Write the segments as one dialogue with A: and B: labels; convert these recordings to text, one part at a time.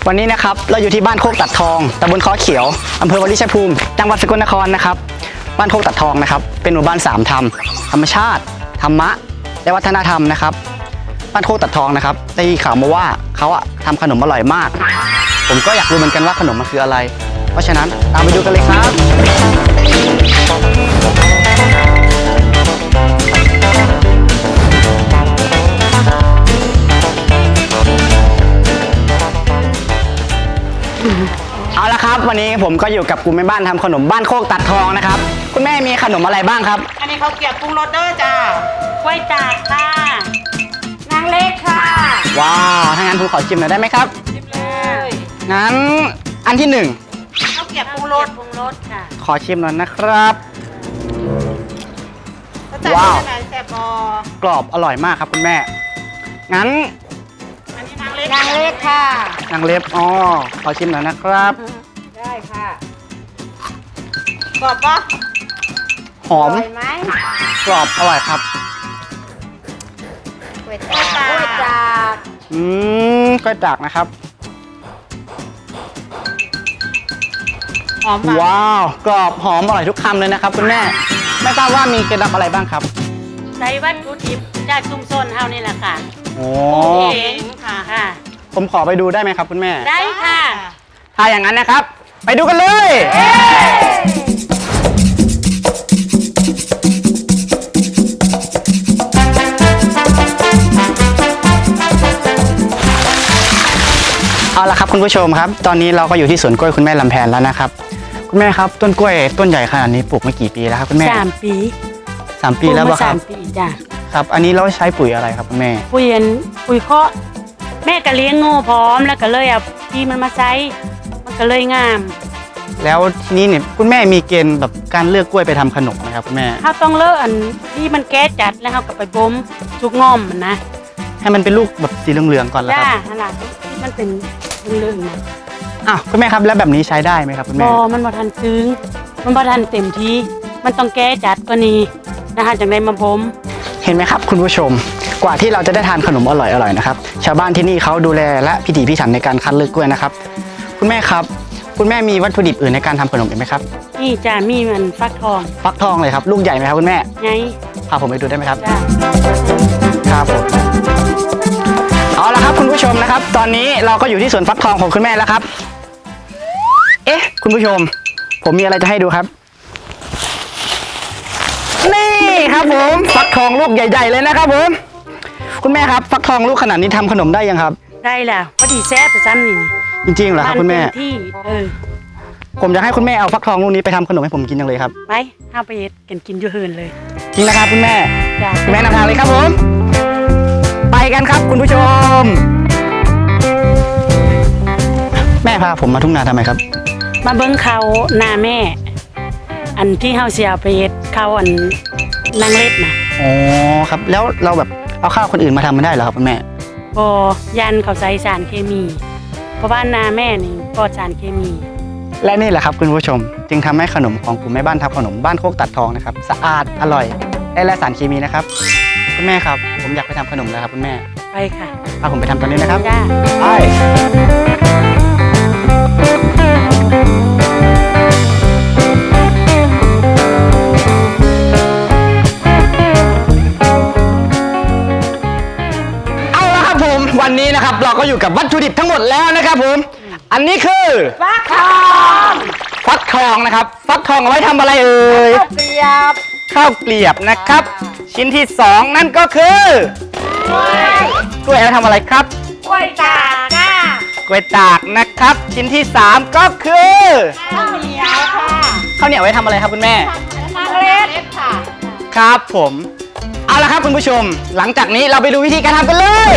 A: วันนี้นะครับเราอยู่ที่บ้านโคกตัดทองตำบลค้อเขียวอำเภอวาริชัยภูมิจังหวัดสกลนครนะครับบ้านโคกตัดทองนะครับเป็นหมู่บ้าน3ธรรมธรรมชาติธรรมะและวัฒนธรรมนะครับบ้านโคกตัดทองนะครับได้ข่าวมาว่าเขาทำขนมอร่อยมากผมก็อยากรู้เหมือนกันว่าขนมมันคืออะไรเพราะฉะนั้นตามไปดูกันเลยครับเอาละครับวันนี้ผมก็อยู่กับกลุ่มแม่บ้านทำขนมบ้านโคกตัดทองนะครับคุณแม่มีขนมอะไรบ้างครับ
B: อันนี้เขาเก็บปรุงรสเด้อจ้ากล้วยตากค่ะนางเล็กค่ะ
A: ว้าวถ้างั้นผมขอชิมหน่อยได้ไหมครับ
B: ชิมเลย
A: งั้นอันที่1
B: เขาเก็บปรุงรสค่ะ
A: ขอชิมหน่อยนะครับ
B: ว้าวแซ่บ
A: กรอบอร่อยมากครับคุณแม่งั้น
B: อันนี้นางเล็กค่ะ
A: นางเล็บอ๋อขอชิมหน่อยนะครับ
B: ได้ค่ะกรอบปะ
A: หอม
B: ไหม
A: กรอบอร่อยครับ
B: กล้วยตากกล้วยต
A: ากนะครับ
B: หอม
A: ว้าวกรอบหอมอร่อยทุกคำเลยนะครับคุณแม่ไม่ทราบว่ามีเคล็ดลับอะไรบ้างครับ
B: ใช้วัตถุดิบจากชุมชนเฮานี่แหละค่ะ
A: โอ้
B: เองค่ะ
A: ผมขอไปดูได้ไหมครับคุณแม่
B: ได้ค่ะ
A: ถ้าอย่างนั้นนะครับไปดูกันเลยเอาละครับคุณผู้ชมครับตอนนี้เราก็อยู่ที่สวนกล้วยคุณแม่ลำแพนแล้วนะครับคุณแม่ครับต้นกล้วยต้นใหญ่ขนาดนี้ปลูกมากี่ปีแล้วครับคุณแม่
B: 3 ปี
A: 3 ปีแล้วป่ะครับ
B: 3 ปีจ้ะ
A: ครับอันนี้เราใช้ปุ๋ยอะไรครับคุณแม่
B: ปุ๋ยเคาะแม่ก็เลี้ยงงูพร้อมแล้วก็เลยเอาที่มันมาใช้มันก็เลยงาม
A: แล้วทีนี้เนี่ยคุณแม่มีเกณฑ์แบบการเลือกกล้วยไปทำขนมไหมครับคุณแม่
B: เขาต้องเลือกอันที่มันแก้จัดแล้วเขาก็ไปบ่มชุกง่อมมันนะ
A: ให้มันเป็นลูกแบบสีเหลืองๆก่อนแล้วครับ
B: นั่นแหละที่มันเป็นเหลืองๆนะ
A: อ้าวคุณแม่ครับแล้วแบบนี้ใช้ได้ไหมครับคุณแม่
B: มันบ่ทันซึ้งมันบ่ทันเต็มที่มันต้องแก้จัดกว่านี้นะคะจากในมาบ่ม
A: เห็นไหมครับคุณผู้ชมกว่าที่เราจะได้ทานขนมอร่อยๆนะครับชาวบ้านที่นี่เขาดูแลและพิถีพิถันในการคัดเลือกกล้วยนะครับคุณแม่ครับคุณแม่มีวัตถุดิบอื่นในการทำขนมอีกไหมครับ
B: นี่จ้ามีมันฟักท
A: องเลยครับลูกใหญ่ไหมครับคุณแม่
B: ใหญ่
A: พาผมไปดูได้ไหมครับ
B: จ้า
A: ครับผมเอาละครับคุณผู้ชมนะครับตอนนี้เราก็อยู่ที่สวนฟักทองของคุณแม่แล้วครับเอ๊ะคุณผู้ชมผมมีอะไรจะให้ดูครับนี่ครับผมฟักทองลูกใหญ่ๆเลยนะครับผมคุณแม่ครับฟักทองลูกขนาดนี้ทำขนมได้ยังครับ
B: ได้แล้วพอดีแซ่บไปซ้ำนี่
A: จริงๆเหรอครับคุณแม่
B: ที่
A: ผมจะให้คุณแม่เอาฟักทองลูกนี้ไปทำขนมให้ผมกินจังเลยครับ
B: ไปเอาไปกินอยู่เฮินเลย
A: จริงนะครับคุณแม่
B: คุณ
A: แม่นำทางเลยครับผมไปกันครับคุณผู้ชมแม่พาผมมาทุ่งนาทำไมครับ
B: มาเบิ้งเขานาแม่อันที่เฮาเสียไปเขาอันนางเล็ดนะ
A: อ๋อครับแล้วเราแบบเอาข้าวคนอื่นมาทำไม่ได้เหรอครับคุณแม่
B: ยันเขาใส่สารเคมีเพราะว่านาแม่นี่ปลอดสารเคมี
A: และนี่แหละครับคุณผู้ชมจึงทำให้ขนมของกลุ่มแม่บ้านทำขนมบ้านโคกตัดทองนะครับสะอาดอร่อยและไร้สารเคมีนะครับคุณแม่ครับผมอยากไปทำขนมแล้วครับคุณแม่
B: ไปค่ะ
A: พาผมไปทำตอนนี้นะครับ
B: จ้า
A: ไปวันนี้นะครับเราก็อยู่กับวัตถุดิบทั้งหมดแล้วนะครับผมอันนี้คือ
B: ฟัก
A: ทองนะครับฟักทองเอาไว้ทำอะไรเอ่ยข้าวเกลียบนะครับชิ้นที่2นั่นก็คือกล้วยเอาไว้ทำอะไรครับ
B: กล้วยตาก
A: กล้วยตากนะครับชิ้นที่3ก็คือ
B: ข้าวเหนียวค่ะ
A: ข้าวเหนียวไว้ทำอะไรครับคุณแม่
B: นางเล็ดค่ะ
A: ครับผมเอาละครับคุณผู้ชมหลังจากนี้เราไปดูวิธีการทำกันเลย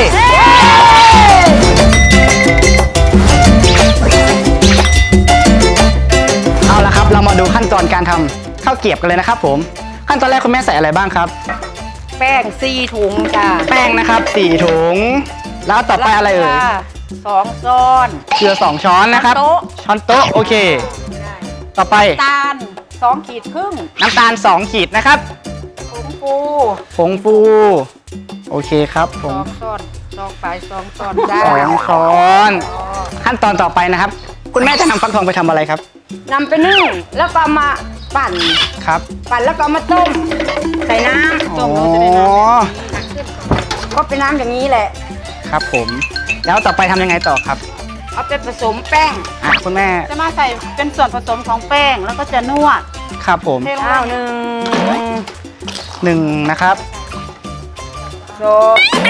A: เอาละครับเรามาดูขั้นตอนการทำข้าวเกรียบกันเลยนะครับผมขั้นตอนแรกคุณแม่ใส่อะไรบ้างครับ
B: แป้ง4 ถุงจ้า
A: แป้งนะครับ4 ถุงแล้วต่อไปอะไรเอ่ย
B: 2 ช้อน
A: เกลือ2 ช้อนนะครับช้อนโต๊ะโอเคต่อไป
B: น้ำตาล2 ขีดครึ่ง
A: น้ำตาล2 ขีดนะครับผงฟูโอเคครับผง
B: 2 ช้อน2 ช้อน
A: ได้2 ช้อนขั้นตอนต่อไปนะครับ คุณแม่จะนำฟักทองไปทำอะไรครับ
C: นำไปนึ่งแล้วก็เอามาปั่น
A: ครับ
C: ปั่นแล้วก็เอามาต้ม ใส่น้ำ
A: อ๋อ
C: ก็เป็นน้ำอย่างนี้แหละ
A: ครับผม แล้วต่อไปทำยังไงต่อครับ
C: เอาไปผสมแป้ง
A: คุณแม่
B: จะมาใส่เป็นส่วนผสมของแป้งแล้วก็จะนวด
A: ครับผม
B: เทลง
C: ข้าว
B: ไป
C: หนึ่ง
A: 1นะครับ
C: สอง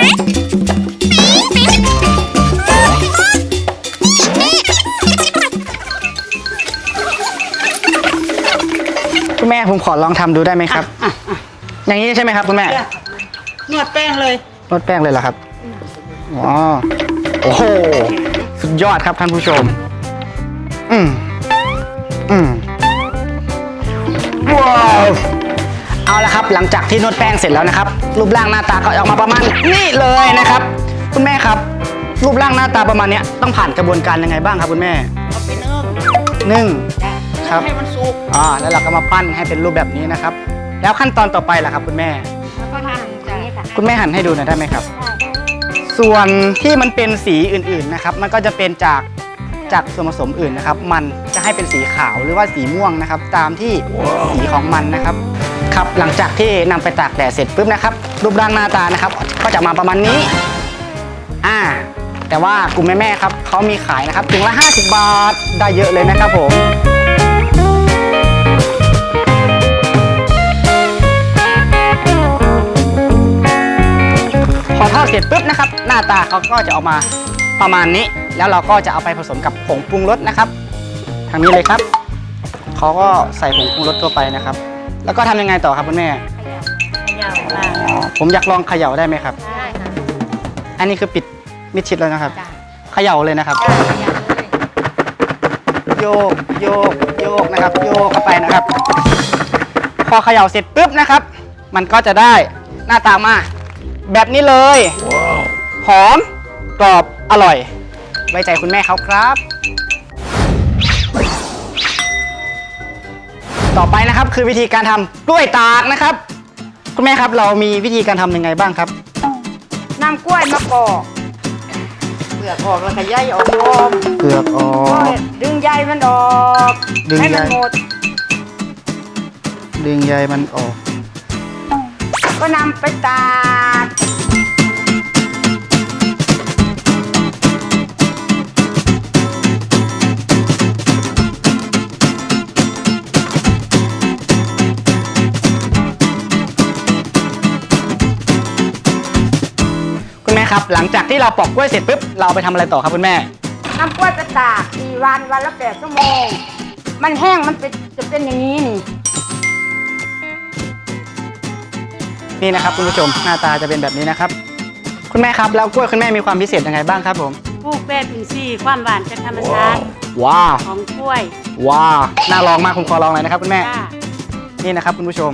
A: คุณแม่ผมขอลองทำดูได้ไหมครับ อย่างนี้ใช่ไหมครับคุณแม่
B: นวดแป้งเลย
A: นวดแป้งเลยเหรอครับ อ๋อ โอ้โห สุดยอดครับท่านผู้ชม อืมว้าว เอาละครับ หลังจากที่นวดแป้งเสร็จแล้วนะครับ รูปร่างหน้าตาก็ออกมาประมาณนี้เลยนะครับ คุณแม่ครับ รูปร่างหน้าตาประมาณเนี้ยต้องผ่านกระบวนการยังไงบ้างครับคุณแม่
B: เอาไปนึ่ง
A: นึ่ง ครับ
B: ให้มันสุก
A: แล้วเราก็มาปั้นให้เป็นรูปแบบนี้นะครับ แล้วขั้นตอนต่อไปล่ะครับคุณแม่
C: แล้วก็หั่นอย่างนี้ค่ะ
A: คุณแม่หั่นให้ดูหน่อยได้ไหมครับ ส่วนที่มันเป็นสีอื่นๆนะครับ มันก็จะเป็นจากส่วนผสมอื่นนะครับ มันจะให้เป็นสีขาวหรือว่าสีม่วงนะครับ ตามที่สีของมันนะครับ ครับหลังจากที่นำไปตากแดดเสร็จปุ๊บนะครับ รูปร่างหน้าตานะครับ ก็จะมาประมาณนี้ แต่ว่ากลุ่มแม่ๆครับเขามีขายนะครับถุงละ50 บาทได้เยอะเลยนะครับผมพอทอดเสร็จปุ๊บนะครับ หน้าตาเขาก็จะออกมาประมาณนี้ แล้วเราก็จะเอาไปผสมกับผงปรุงรสนะครับ ทางนี้เลยครับเขาก็ใส่ผงปรุงรสเข้าไปนะครับ แล้วก็ทำยังไงต่อครับคุณแม่
B: ยาวมาก
A: ผมอยากลองเขย่าได้ไหมครับ
C: ได้ค่ะ
A: อันนี้คือปิดมิดชิดแล้วนะครับ
C: จ้ะ
A: เขย่าเลยนะครับ โยกโยกโยกนะครับ โยกเข้าไปนะครับ พอเขย่าเสร็จปุ๊บนะครับ มันก็จะได้หน้าตามาแบบนี้เลย หอมกรอบอร่อย ไว้ใจคุณแม่เขาครับ ต่อไปนะครับคือวิธีการทำกล้วยตากนะครับ คุณแม่ครับเรามีวิธีการทำยังไงบ้างครับ
C: นำกล้วยมาปอกเปลือกออกแล้วก็ใยออกรวม
A: เปลือกออ
C: ก็
A: ก
C: ดึงใยมันออก
A: ดึง
C: ให้
A: ใย
C: มันหมด
A: ดึงใยมันออก
C: ก็นำไปตาก
A: คุณแม่ครับหลังจากที่เราปอกกล้วยเสร็จปุ๊บเราเอาไปทำอะไรต่อครับคุณแม่
C: นำกล้วยไปตาก4 วันวันละ8 ชั่วโมง มันแห้งมันจะเป็นอย่างนี้นี่
A: นี่นะครับคุณผู้ชมหน้าตาจะเป็นแบบนี้นะครับ คุณแม่ครับแล้วกล้วยคุณแม่มีความพิเศษยังไงบ้างครับผม
B: ปลูกแบบอินทรีย์ความหวานจากธรรมชาติ
A: ว้าว
B: ของกล้วย
A: ว้าวน่าลองมากผมขอลองเลยนะครับคุณแม่
B: จ้า
A: นี่นะครับคุณผู้ชม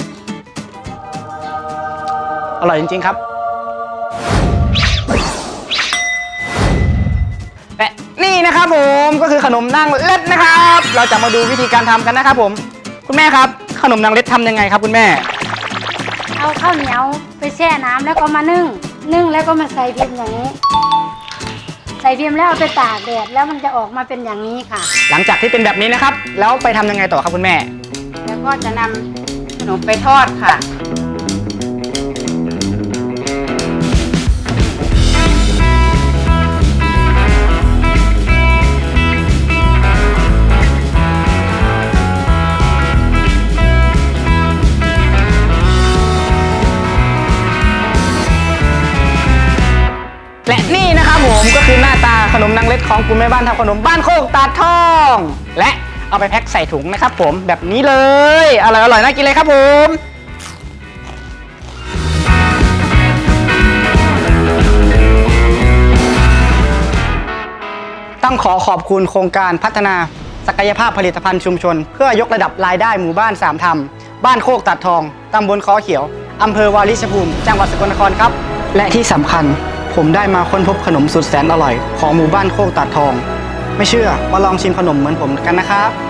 A: อร่อยจริงๆครับและนี่นะครับผมก็คือขนมนางเล็ดนะครับ เราจะมาดูวิธีการทำกันนะครับผมคุณแม่ครับขนมนางเล็ดทำยังไงครับคุณแม่
C: เอาข้าวเหนียวไปแช่น้ำแล้วก็มานึ่งแล้วก็มาใส่พิมพ์อย่างนี้ ใส่พิมพ์แล้วเอาไปตากแดดแล้วมันจะออกมาเป็นอย่างนี้ค่ะ
A: หลังจากที่เป็นแบบนี้นะครับ แล้วไปทำยังไงต่อครับคุณแม่
C: แล้วก็จะนำขนมไปทอดค่ะ
A: และนี่นะครับผมก็คือหน้าตาขนมนางเล็ดของกลุ่มแม่บ้านทำขนมบ้านโคกตาดทอง และเอาไปแพ็คใส่ถุงนะครับผมแบบนี้เลยอร่อยๆน่ากินเลยครับผมต้องขอขอบคุณโครงการพัฒนาศักยภาพผลิตภัณฑ์ชุมชน เพื่อยกระดับรายได้หมู่บ้านสามธรรมบ้านโคกตาดทองตำบลคอเขียวอำเภอวาริชภูมิจังหวัดสกลนครครับและที่สำคัญผมได้มาค้นพบขนมสุดแสนอร่อยของหมู่บ้านโคกตาดทอง ไม่เชื่อมาลองชิมขนมเหมือนผมกันนะครับ